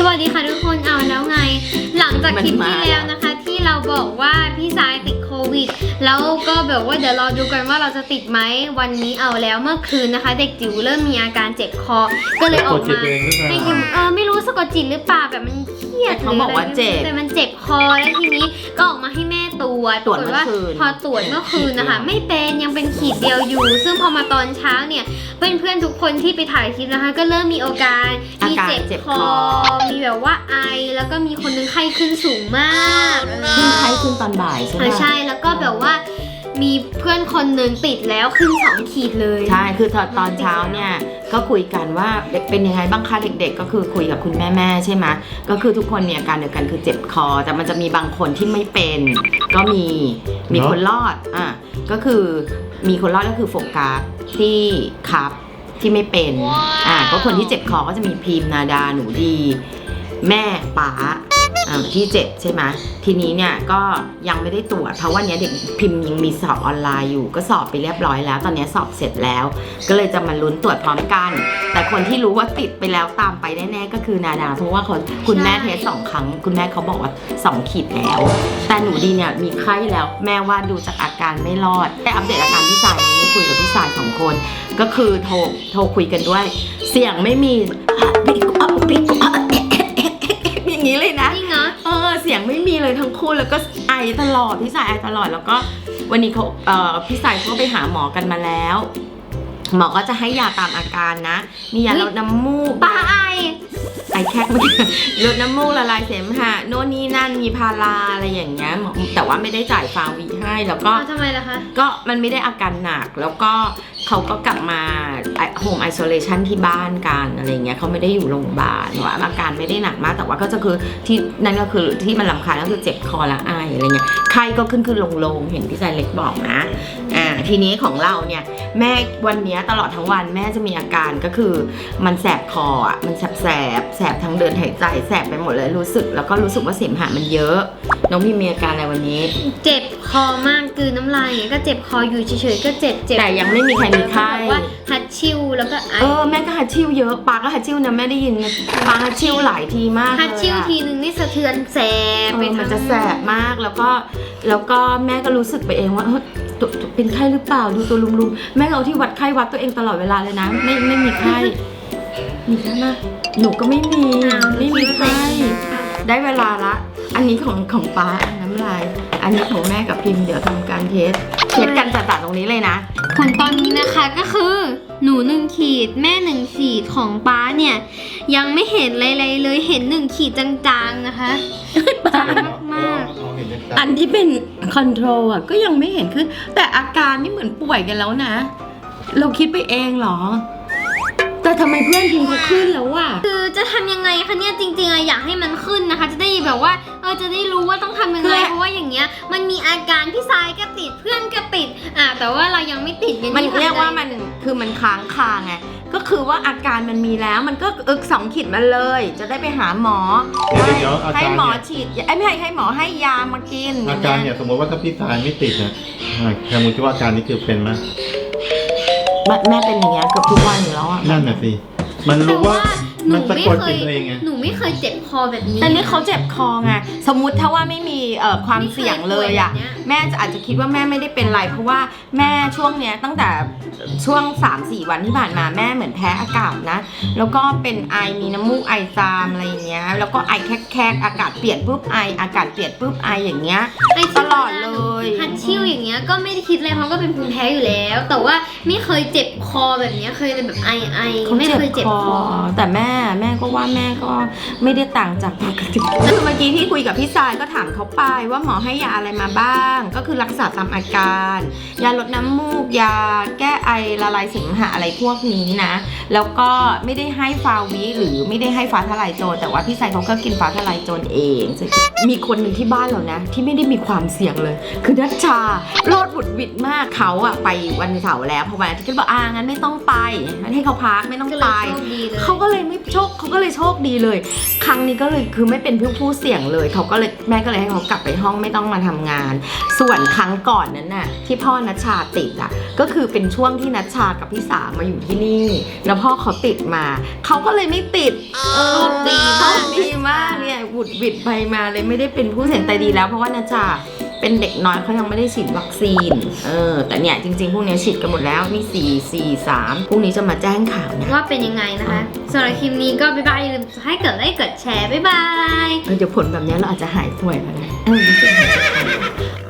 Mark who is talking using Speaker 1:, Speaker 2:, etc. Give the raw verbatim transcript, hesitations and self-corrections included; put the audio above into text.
Speaker 1: วัสดีค่ะทุกคนเอาแล้วไงหลังจากคลิปที่แล้วนะคะที่เราบอกว่าพี่สายติดโควิดแล้วก็แบบว่าเดี๋ยวรอดูกันว่าเราจะติดไหมวันนี้เอาแล้วเมื่อคืนนะคะเด็กจิ๋วเริ่มมีอาการเจ็บคอก็เลยออกมาให้กินเออไม่รู้สะกดจิตหรือเปล่าแบบมันเครียด
Speaker 2: เขาบอกว่าเจ็บ
Speaker 1: แต่มันเจ็บคอแล้วทีนี้ก็ออกมาให้แม่ตรวจ
Speaker 2: ตรวจเมื่อคืน
Speaker 1: พอตรวจเมื่อคืนนะคะไม่เป็นยังเป็นขีดเดียวอยู่ซึ่งพอมาตอนเช้าเนี่ยเพื่อนๆทุกคนที่ไปถ่ายคลิปนะคะก็เริ่มมีอาการมีเจ็บคอมีแบบว่าไอแล้วก็มีคนนึงไข้ขึ้นสูงมาก
Speaker 2: ขึ้นไข้ขึ้นตอนบ่ายใช่ไหม
Speaker 1: ใช่แล้วก็แบบว่ามีเพื่อนคนหนึ่งติดแล้วขึ้นสองขีดเลย
Speaker 2: ใช่คือตอนเช้าเนี่ยก็คุยกันว่าเป็นยังไงบ้างคะเด็กๆก็คือคุยกับคุณแม่ๆใช่ไหมก็คือทุกคนมีอาการเดียวกันคือเจ็บคอแต่มันจะมีบางคนที่ไม่เป็นก็มีมีคนรอดอ่ะก็คือมีคนรอดก็คือโฟกัสที่ครับที่ไม่เป็นอ่ะก็คนที่เจ็บคอก็จะมีพิมพ์นาดาหนูดีแม่ป๋าที่เจ็บใช่ไหมทีนี้เนี่ยก็ยังไม่ได้ตรวจเพราะวันนี้เด็กพิมพ์ยังมีสอบออนไลน์อยู่ก็สอบไปเรียบร้อยแล้วตอนนี้สอบเสร็จแล้วก็เลยจะมาลุ้นตรวจพร้อมกันแต่คนที่รู้ว่าติดไปแล้วตามไปแน่ๆก็คือนาดาเพราะว่าคนคุณแม่เทสสองครั้งคุณแม่เขาบอกว่าสองขีดแล้วแต่หนูดีเนี่ยมีไข้แล้วแม่ว่าดูจากอาการไม่รอดได้อัปเดตอาการพี่สายไม่คุยกับพี่สายสองคนก็คือโทรโทรคุยกันด้วยเสียงไม่มีอย่างนี้เลยนะ
Speaker 1: จริงเหรอ
Speaker 2: เออเสียงไม่มีเลยทั้งคู่แล้วก็ไอตลอดพี่สายไอตลอดแล้วก็วันนี้เขาเอ่อพี่สายเขาไปหาหมอกันมาแล้วหมอก็จะให้ยาตามอาการนะมียาลดน้ำมูก
Speaker 1: ป้าไอ
Speaker 2: ไอแคกมันลดน้ำมูกละลายเสมหะโน่นนี่นั่นมีพาราอะไรอย่างเงี้ยแต่ว่าไม่ได้จ่ายฟาวีให้แล้วก็
Speaker 1: ทำไมล่ะคะ
Speaker 2: ก็มันไม่ได้อาการหนักแล้วก็เขาก็กลับมาโฮมไอโซเลชันที่บ้านกันอะไรเงี้ยเขาไม่ได้อยู่โรงพยาบาลว่าอาการไม่ได้หนักมากแต่ว่าก็จะคือที่นั่นก็คือที่มันรำคาญก็คือเจ็บคอและไออะไรเงี้ยไข้ก็ขึ้นขึ้นลงลงเห็นพี่ชายเล็กบอกนะอ่าทีนี้ของเราเนี่ยแม่วันนี้ตลอดทั้งวันแม่จะมีอาการก็คือมันแสบคออ่ะมันแสบแสบแสบทั้งเดินหายใจแสบไปหมดเลยรู้สึกแล้วก็รู้สึกว่าเสมหะมันเยอะน้องพี่มีอาการอะไรวันนี้
Speaker 1: เจ็บคอมากคือน้ำลายก็เจ็บคออยู่เฉยๆก็เจ็บเจ็บ
Speaker 2: แต่ยังไม่มีใครมีไข้
Speaker 1: ว่าฮัดชิวแล้วก็ไอ
Speaker 2: เออแม่ก็ฮัดชิวเยอะปาก็ฮัดชิวนะแม่ได้ยินปาฮัดชิวหลายทีมาก
Speaker 1: ฮัดชิวทีนึงนี่สะเทือนแสบไป
Speaker 2: มันจะแสบมากแล้วก็แล้วก็แม่ก็รู้สึกไปเองว่าเป็นไข้หรือเปล่าดูตัวลุมๆแม่เอาที่วัดไข้วัดตัวเองตลอดเวลาเลยนะไม่ไม่มีไข้มีไข้ไหมหนูก็ไม่มีไม่มีไข้ได้เวลาละอันนี้ของของป้าน้ำลายอันนี้ของแม่กับพิมพ์เดี๋ยวทำการเทสเทสกันจัดๆตรงนี้เลยนะ
Speaker 1: ผลตอนนี้นะคะก็คือหนูหนึ่งขีดแม่หนึ่งขีดของป้าเนี่ยยังไม่เห็นอะไรเลยเห็นหนึ่งขีดจางๆนะคะจางมาก
Speaker 2: ๆอันที่เป็นคอนโทรลอ่ะก็ยังไม่เห็นขึ้นแต่อาการนี่เหมือนป่วยกันแล้วนะเราคิดไปเองเหรอแต่ทำไมเพื่อนพิมพ์เขาขึ้นแล้วอ่ะ
Speaker 1: คือจะทำยังไงคะเนี่ยจริงๆอะอยากให้มันขึ้นนะคะจะได้แบบว่าเออจะได้รู้ว่าต้องทำยังไงเพราะว่าอย่างเงี้ยมันมีอาการพี่สายก็ติดเพื่อนก็ติดอ่ะแต่ว่าเรายังไม่ติด
Speaker 2: มันเรียกว่ามันคือมันค้างคาไงก็คือว่าอาการมันมีแล้วมันก็อึกสองขีดมาเลยจะได้ไปหาหมอให้หมอฉีดไอ้ไม่ให้ให้หมอให้ยามากิน
Speaker 3: อาการเนี่ยสมมติว่าถ้าพี่สายไม่ติดนะแค่มุติว่าอาการนี้คือเป็นไหม
Speaker 2: แม่เป็นอย่างเงี้ยเกือบทุกวันอยู่แล้วอ่ะ
Speaker 3: นั่นน่ะสิมันรู้ว่ามันสะกดจิตเองไง
Speaker 1: หนูไม่เคยเจ็บคอแบบนี้
Speaker 2: แต่นี่เขาเจ็บคอไงสมมุติถ้าว่าไม่มีเอ่อความเสี่ยงเลยอ่ะแม่จะอาจจะคิดว่าแม่ไม่ได้เป็นไรเพราะว่าแม่ช่วงเนี้ยตั้งแต่ช่วง สามสี่ วันที่ผ่านมาแม่เหมือนแพ้อากาศนะแล้วก็เป็นไอมีน้ำมูกไอจามอะไรอย่างเงี้ยแล้วก็ไอแคกๆอากาศเปลี่ยนปุ๊บไออากาศเปลี่ยนปุ๊บไออย่างเงี้ยตลอดเลย
Speaker 1: ฮัดชิวอย่างเงี้ยก็ไม่ได้คิดเลยเพราะก็เป็นภูมิแพ้อยู่แล้วแต่ว่าไม่เคยเจ็บคอแบบนี้เคยเป็นแบบไอไอไม่เคยเจ็บคอ
Speaker 2: แต่แม่แม่ก็ว่าแม่ก็ไม่ได้ต่างจากปกติคือเมื่อกี้ที่คุยกับพี่สายก็ถามเขาไปว่าหมอให้ยาอะไรมาบ้างก็คือรักษาตามอาการยาลดน้ำมูกยาแก้ไอละลายเสมหะอะไรพวกนี้นะแล้วก็ไม่ได้ให้ฟาวิหรือไม่ได้ให้ฟ้าทลายโจรแต่ว่าพี่สายเขาก็กินฟ้าทลายโจรเองมีคนหนึ่งที่บ้านเรานะที่ไม่ได้มีความเสี่ยงเลยคือนัชชารอดบุดหวิดมากเขาอะไปวันเสาร์แล้วพอวันอาทิตย์ก็บอกอ่างั้นไม่ต้องไปให้เขาพักไม่ต้อง
Speaker 1: ก็เล
Speaker 2: ไป
Speaker 1: ยโชคดีเลย
Speaker 2: เขาก็เลยไม่โชคเขาก็เลยโชคดีเลย ครั้งนี้ก็เลยคือไม่เป็นผู้ผู้เสี่ยงเลยเขาก็เลยแม่ก็เลยให้เขากลับไปห้องไม่ต้องมาทำงาน ส่วนครั้งก่อนนั้นน่ะที่พ่อนัชชาติดอะก็คือเป็นช่วงที่นัชชากับพี่สามาอยู่ที่นี่ แล้วพ่อเขาติดมาเขาก็เลยไม่ติดเออ
Speaker 1: โชคดีมาก
Speaker 2: โชคดีมากเนี่ยบุดหวิดไปมาเลยไม่ได้เป็นผู้เสี่ยงแต่ดีแล้วเพราะว่านัชชาเป็นเด็กน้อยเขายังไม่ได้ฉีดวัคซีนเออแต่เนี่ยจริงๆพวกนี้ฉีดกันหมดแล้วมีสี่ สี่ สามพรุ่งนี้จะมาแจ้งข่าวนะ
Speaker 1: ว่าเป็นยังไงนะคะสำหรับคลิปนี้ก็บ๊ายบายอย่าลืมให้กดไลค์กดแชร์บ๊ายบาย
Speaker 2: เออเดี๋ยวผลแบบนี้เราอาจจะหายป่วยก็ได้เออรู้สึกหายป่วย